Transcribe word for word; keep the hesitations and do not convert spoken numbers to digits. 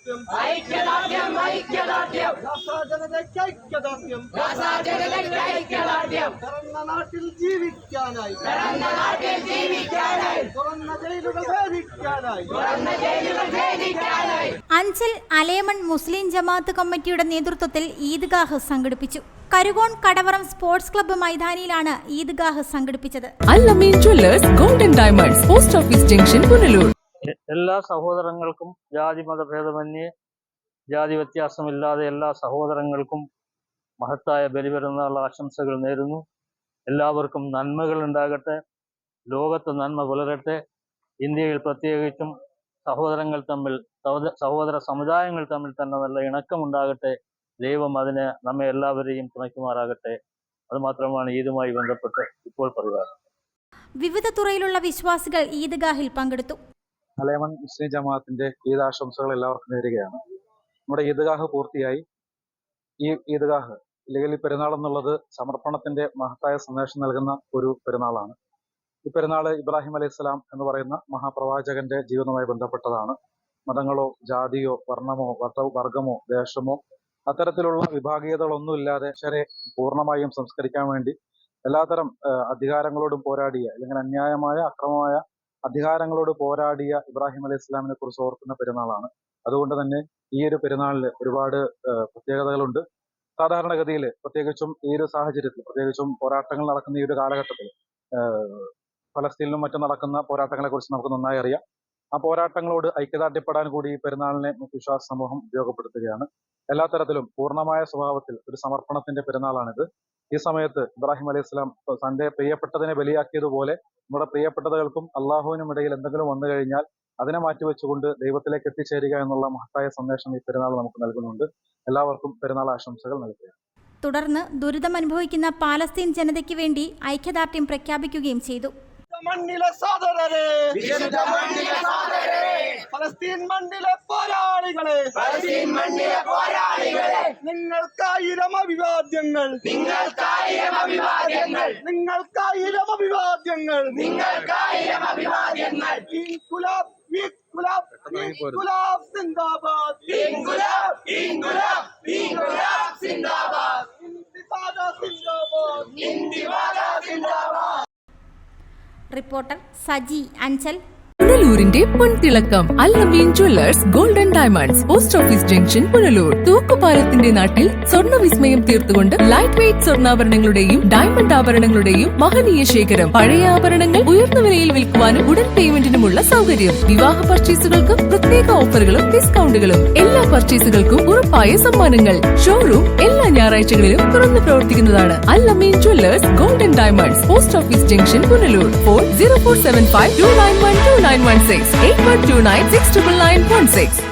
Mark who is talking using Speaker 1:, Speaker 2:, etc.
Speaker 1: ഐക്യദാർഢ്യം ഐക്യദാർഢ്യം ഐക്യദാർഢ്യം ജനതയ്ക്ക് ഐക്യദാർഢ്യം ജനതയ്ക്ക് ഐക്യദാർഢ്യം പിറന്ന നാട്ടിൽ ജീവിക്കാനായി പിറന്ന നാട്ടിൽ ജീവിക്കാനായി തുറന്ന ജയിലുകൾ ഭേദിക്കാനായി തുറന്ന ജയിലുകൾ ഭേദിക്കാനായി
Speaker 2: അഞ്ചൽ അലേമൺ മുസ്ലിം ജമാഅത്ത് കമ്മിറ്റിയുടെ നേതൃത്വത്തിൽ ഈദ്ഗാഹ് സംഘടിപ്പിച്ചു. കരുകോൺ കടവറം സ്പോർട്സ് ക്ലബ്ബ് മൈതാനിയിലാണ് ഈദ്ഗാഹ് സംഘടിപ്പിച്ചത്.
Speaker 3: Al-Ameen jewellers golden diamonds post office junction Punalur.
Speaker 4: എല്ലാ സഹോദരങ്ങൾക്കും ജാതി മതഭേദമന്യേ ജാതി വ്യത്യാസമില്ലാതെ എല്ലാ സഹോദരങ്ങൾക്കും മഹത്തായ ബലിപെരുന്നാൾ ആശംസകൾ നേരുന്നു. എല്ലാവർക്കും നന്മകൾ ഉണ്ടാകട്ടെ, ലോകത്ത് നന്മ പുലരട്ടെ. ഇന്ത്യയിൽ പ്രത്യേകിച്ചും സഹോദരങ്ങൾ തമ്മിൽ സഹോദര സമുദായങ്ങൾ തമ്മിൽ തന്നെ നല്ല ഇണക്കമുണ്ടാകട്ടെ. ദൈവം അതിന് നമ്മെ എല്ലാവരെയും തുണയ്ക്കുമാറാകട്ടെ. അതുമാത്രമാണ് ഈദുമായി ബന്ധപ്പെട്ട് ഇപ്പോൾ പറയുക.
Speaker 2: വിവിധ തുറയിലുള്ള വിശ്വാസികൾ ഈദ്ഗാഹിൽ പങ്കെടുത്തു.
Speaker 5: അലേമൺ മുസ്ലിം ജമാഅത്തിന്റെ ഈദ് ആശംസകൾ എല്ലാവർക്കും നേരുകയാണ്. നമ്മുടെ ഈദ്ഗാഹ് പൂർത്തിയായി. ഈ ഈദ്ഗാഹ് അല്ലെങ്കിൽ ഈ പെരുന്നാൾ എന്നുള്ളത് സമർപ്പണത്തിന്റെ മഹത്തായ സന്ദേശം നൽകുന്ന ഒരു പെരുന്നാളാണ്. ഈ പെരുന്നാൾ ഇബ്രാഹിം അലൈഹി സ്വലാം എന്ന് പറയുന്ന മഹാപ്രവാചകന്റെ ജീവിതവുമായി ബന്ധപ്പെട്ടതാണ്. മതങ്ങളോ ജാതിയോ വർണ്ണമോ വർഗമോ ദേശമോ അത്തരത്തിലുള്ള വിഭാഗീയതകളൊന്നുമില്ലാതെ ശരെ പൂർണ്ണമായും സംസ്കരിക്കാൻ വേണ്ടി എല്ലാത്തരം അധികാരങ്ങളോടും പോരാടിയ അല്ലെങ്കിൽ അന്യായമായ അക്രമമായ അധികാരങ്ങളോട് പോരാടിയ ഇബ്രാഹിം അലൈഹി ഇസ്ലാമിനെ കുറിച്ച് ഓർക്കുന്ന പെരുന്നാളാണ്. അതുകൊണ്ട് തന്നെ ഈ ഒരു പെരുന്നാളിൽ ഒരുപാട് പ്രത്യേകതകളുണ്ട്. സാധാരണഗതിയിൽ പ്രത്യേകിച്ചും ഈ ഒരു സാഹചര്യത്തിൽ, പ്രത്യേകിച്ചും പോരാട്ടങ്ങൾ നടക്കുന്ന ഈ ഒരു കാലഘട്ടത്തിൽ ഫലസ്തീനിലും മറ്റും നടക്കുന്ന പോരാട്ടങ്ങളെ കുറിച്ച് നമുക്ക് നന്നായി അറിയാം. ആ പോരാട്ടങ്ങളോട് ഐക്യദാർഢ്യപ്പെടാൻ കൂടി ഈ പെരുന്നാളിനെ വിശ്വാസ സമൂഹം ഉപയോഗപ്പെടുത്തുകയാണ്. എല്ലാ തരത്തിലും പൂർണ്ണമായ സ്വഭാവത്തിൽ ഒരു സമർപ്പണത്തിന്റെ പെരുന്നാളാണിത്. ഈ സമയത്ത് ഇബ്രാഹിം അലൈഹി സ്വലാം തന്റെ പ്രിയപ്പെട്ടതിനെ ബലിയാക്കിയതുപോലെ നമ്മുടെ പ്രിയപ്പെട്ടതകൾക്കും അള്ളാഹുവിനും ഇടയിൽ എന്തെങ്കിലും വന്നു കഴിഞ്ഞാൽ അതിനെ മാറ്റിവെച്ചുകൊണ്ട് ദൈവത്തിലേക്ക് എത്തിച്ചേരുക എന്നുള്ള മഹത്തായ സന്ദേശം ഈ പെരുന്നാൾ നമുക്ക് നൽകുന്നുണ്ട്. എല്ലാവർക്കും പെരുന്നാൾ ആശംസകൾ നൽകുക.
Speaker 2: തുടർന്ന് ദുരിതമനുഭവിക്കുന്ന പാലസ്തീൻ ജനതയ്ക്ക് വേണ്ടി ഐക്യദാർഢ്യം പ്രഖ്യാപിക്കുകയും ചെയ്തു.
Speaker 1: മണ്ണിലെ സഹോദരരെ, ഫലസ്തീൻ മണ്ണിലെ പോരാളികളെ, ഫലസ്തീൻ മണ്ണിലെ പോരാളികളെ, നിങ്ങൾക്കായിരം അഭിവാദ്യങ്ങൾ, നിങ്ങൾക്കായിരം അഭിവാദ്യങ്ങൾ, നിങ്ങൾക്കായിരം അഭിവാദ്യങ്ങൾ, നിങ്ങൾക്കായിരം അഭിവാദ്യങ്ങൾ. ഇൻകുലാബ് ഇൻകുലാബ് ഇൻകുലാബ് സിന്ദാബാദ്, ഇൻകുലാബ് ഇൻകുലാബ് ഇൻകുലാബ് സിന്ദാബാദ്, ഇന്തിഫാദ സിന്ദാബാദ്, ഇന്തിഫാദ സിന്ദാബാദ്.
Speaker 2: റിപ്പോർട്ടർ സജി അഞ്ചൽ.
Speaker 3: പുനലൂരിന്റെ പൊൻതിളക്കം Al-Ameen jewellers golden diamonds post office junction Punalur. തൂക്കുപാലത്തിന്റെ നാട്ടിൽ സ്വർണ്ണ വിസ്മയം തീർത്തുകൊണ്ട് ലൈറ്റ് വെയ്റ്റ് സ്വർണ്ണാഭരണങ്ങളുടെയും ഡയമണ്ട് ആഭരണങ്ങളുടെയും മഹനീയ ശേഖരം. പഴയ ആഭരണങ്ങൾ ഉയർന്ന വിലയിൽ വിൽക്കുവാനും ഉടൻ പേയ്മെന്റിനുമുള്ള സൗകര്യം. വിവാഹ പർച്ചേസുകൾക്ക് പ്രത്യേക ഓഫറുകളും ഡിസ്കൗണ്ടുകളും. എല്ലാ പർച്ചേസുകൾക്കും ഉറപ്പായ സമ്മാനങ്ങൾ. ഷോറൂം എല്ലാ ഞായറാഴ്ചകളിലും തുറന്നു പ്രവർത്തിക്കുന്നതാണ്. Al-Ameen jewellers golden diamonds post office junction Punalur. Phone zero four seven five two nine one two nine one six eight one two nine six nine nine one six.